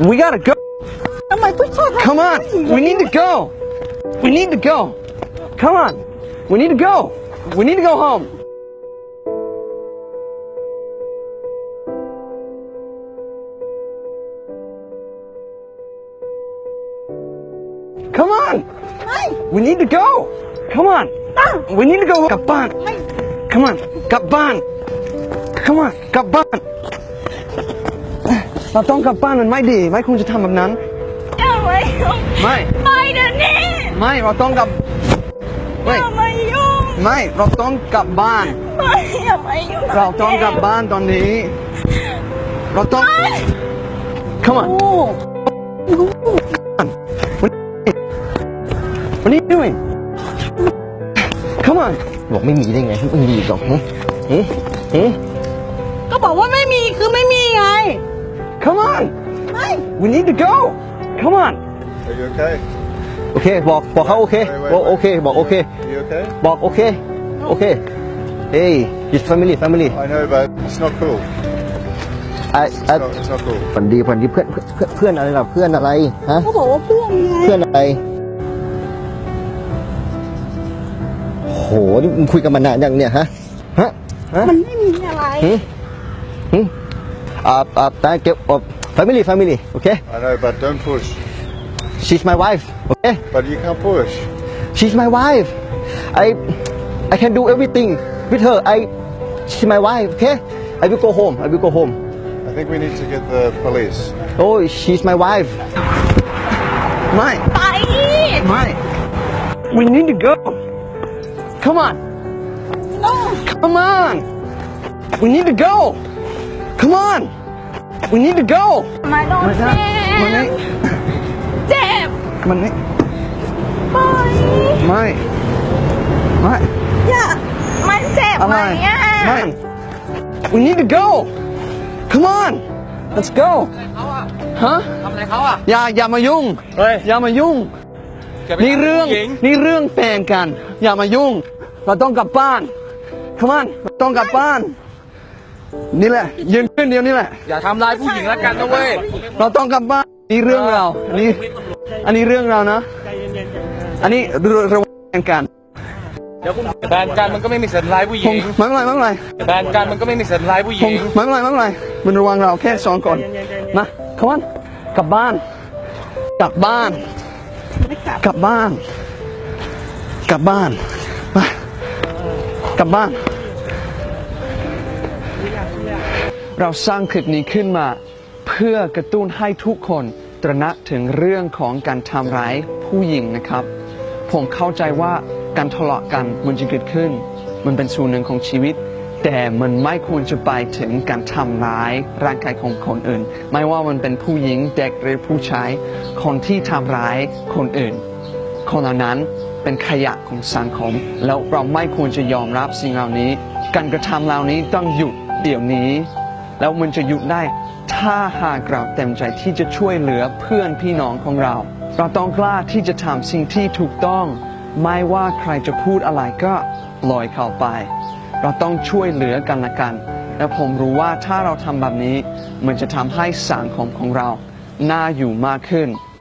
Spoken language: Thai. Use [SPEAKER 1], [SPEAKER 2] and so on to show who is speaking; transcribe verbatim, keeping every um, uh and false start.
[SPEAKER 1] We gotta go.
[SPEAKER 2] ทำไมผู้ชาย
[SPEAKER 1] Come on. We need to go. We need to go. Come on. We need to go. We need to go home. Come on.
[SPEAKER 2] ไม่
[SPEAKER 1] We need to go. Come on. We need to go. กลับบ้าน Come on. กลับบ้าน Come on. กลับบ้าน เราต้องกลับบ้านมันไม่ดี ไม่ควรจะทำแบบนั้น
[SPEAKER 2] อย่ามายุ่ง
[SPEAKER 1] ไม่
[SPEAKER 2] ไม่เดี๋ยวนี้
[SPEAKER 1] ไม่ เราต้องกลับ
[SPEAKER 2] อ
[SPEAKER 1] ไม่
[SPEAKER 2] ย่ามายุ่ง
[SPEAKER 1] ไม่ เราต้องกลับบ้าน
[SPEAKER 2] ไม่อย่ามายุ่ง
[SPEAKER 1] เราต้องกลับบ้านตอนนี้ เราต้อง Come on.
[SPEAKER 2] โอ้
[SPEAKER 1] What are you doing? Come on. บอกไม่มีได้ไงไม่มีหรอกหืหืหื
[SPEAKER 2] ก็บอกว่าไม่มีคือไม่มีไง
[SPEAKER 1] Come on.
[SPEAKER 2] ไม่
[SPEAKER 1] We need to go. Come on.
[SPEAKER 3] Are you okay?
[SPEAKER 1] โอเค บอกบอกเขาโอเคบอกโอเค บอกโอเค
[SPEAKER 3] Are you okay?
[SPEAKER 1] บอกโอเค โอเค Hey, it's family, family.
[SPEAKER 3] I know, but it's not cool.
[SPEAKER 1] I,
[SPEAKER 3] It's
[SPEAKER 1] I,
[SPEAKER 3] not, it's not cool.
[SPEAKER 1] ฝันดีฝันดีเพื่อนเพื่อนเพื่อนอะไรล่ะเพื่อนอะไรฮะ
[SPEAKER 2] ก็บอกว่าเพื่อนไง
[SPEAKER 1] เพื่อนอะไรโหนี่มึงคุยกันมานานยังเนี่ยฮะฮะฮะ
[SPEAKER 2] มันไม่มีอะไร
[SPEAKER 1] หืหือ่าอ่าแต่เก็บอ่า family family โอเค
[SPEAKER 3] I know, but don't push.
[SPEAKER 1] she's my wife โอเค
[SPEAKER 3] But you can't push.
[SPEAKER 1] she's my wife I I can do everything with her I she's my wife okay I will go home I will go home
[SPEAKER 3] I think we need to get the police.
[SPEAKER 1] oh she's my wife ไม่
[SPEAKER 2] ไป
[SPEAKER 1] ไม่ we need to go come on
[SPEAKER 2] no
[SPEAKER 1] come on we need to go come on we need to go
[SPEAKER 2] มาโดน
[SPEAKER 1] มา
[SPEAKER 2] เจ็
[SPEAKER 1] มันนี่
[SPEAKER 2] บเจ็บ
[SPEAKER 1] มันนี่
[SPEAKER 2] ปล่อย
[SPEAKER 1] ไม่ไม่
[SPEAKER 2] อย่ามันเจ็บ
[SPEAKER 1] อะ
[SPEAKER 2] ไหม
[SPEAKER 1] ไร
[SPEAKER 2] อ่ะ
[SPEAKER 1] ไม่ we need to go come on let's go ฮะ
[SPEAKER 4] ทำอะไรเขาอ่ะ
[SPEAKER 1] อย่าอย่ามายุ่ง
[SPEAKER 4] เฮ้ย
[SPEAKER 1] อย่ามายุ่ง
[SPEAKER 4] แกไป
[SPEAKER 1] นี่เรื่อง
[SPEAKER 4] ทำผู้หญิง
[SPEAKER 1] นี่เรื่องแฟนกัน อย่ามายุ่ง เราต้องกลับบ้าน come on เราต้องกลับบ้าน นี่แหละยืนขึ้นเดียวนี่แหละ
[SPEAKER 4] อย่าทำร้ายผู้หญิงแล้วกันนะเว้ย
[SPEAKER 1] เราต้องกลับบ้านนี่เรื่องเราอันนี้ อันนี้เรื่องเรานะ อันนี้ระวังกัน
[SPEAKER 4] เดี๋ยวคุณแบนกันมันก็ไม่มีสัญร้ายผู้ห
[SPEAKER 1] ผ
[SPEAKER 4] ญิ
[SPEAKER 1] ม
[SPEAKER 4] ง
[SPEAKER 1] ไม่เป็นไรไม่เป็นไร
[SPEAKER 4] แบนกันมันก็ไม่มีสัญร้ายผู้ห
[SPEAKER 1] ผ
[SPEAKER 4] ญิ
[SPEAKER 1] ม
[SPEAKER 4] ง
[SPEAKER 1] ไม่เป็นไรไม่เป็นไรมันระวังเราแค่สองคนนะขวันกลับบ้าน กลับบ้าน กลับบ้าน กลับบ้านไปกลับบ้าน เราสร้างคลิปนี้ขึ้นมา เพื่อกระตุ้นให้ทุกคนตระหนักถึงเรื่องของการทำร้ายผู้หญิงนะครับ ผมเข้าใจว่าการทะเลาะกันมันจะเกิดขึ้น มันเป็นส่วนหนึ่งของชีวิต แต่มันไม่ควรจะไปถึงการทำร้ายร่างกายของคนอื่น ไม่ว่ามันเป็นผู้หญิงเด็กหรือผู้ชายคนที่ทำร้ายคนอื่น คนเหล่านั้นเป็นขยะของสังคม แล้วเราไม่ควรจะยอมรับสิ่งเหล่านี้ การกระทำเหล่านี้ต้องหยุดเดี๋ยวนี้ แล้วมันจะหยุดได้ถ้าหากเราเต็มใจที่จะช่วยเหลือเพื่อนพี่น้องของเรา เราต้องกล้าที่จะทำสิ่งที่ถูกต้อง ไม่ว่าใครจะพูดอะไรก็ปล่อยเขาไป เราต้องช่วยเหลือกันและกัน และผมรู้ว่าถ้าเราทำแบบนี้ มันจะทำให้สังคมของเราน่าอยู่มากขึ้น